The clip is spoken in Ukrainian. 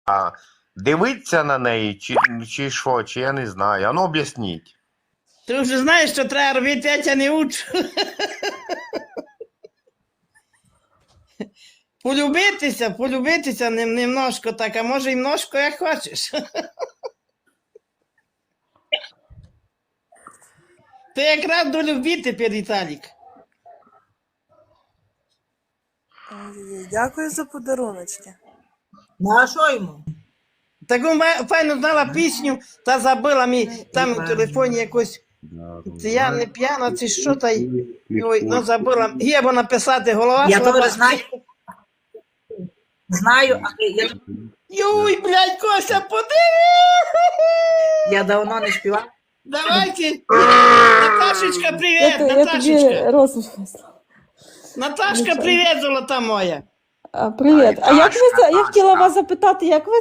дивитися на неї, чи що, чи я не знаю. А ну об'ясніть. Ти вже знаєш, що треба робити, я тебе не учу. Полюбитися немножко так, а може і множко, як хочеш. Ти якраз до любити, Віталік. Дякую за подаруночки. Ну а що йому? Таку файно знала пісню, та забила мені там у телефоні якусь. Це я не п'яна, це що та й. Ой, ну забила. Гєбо написати, голова. Я слаба. теж знаю. Знаю, але Юй, блядь, Кося, подиви! я давно не співала. Давайте. Наташечка, привіт, Я тобі Наташечка. розмовляю. Наташка, привіт, золота моя. Привіт. А як ви я хотіла вас запитати, як ви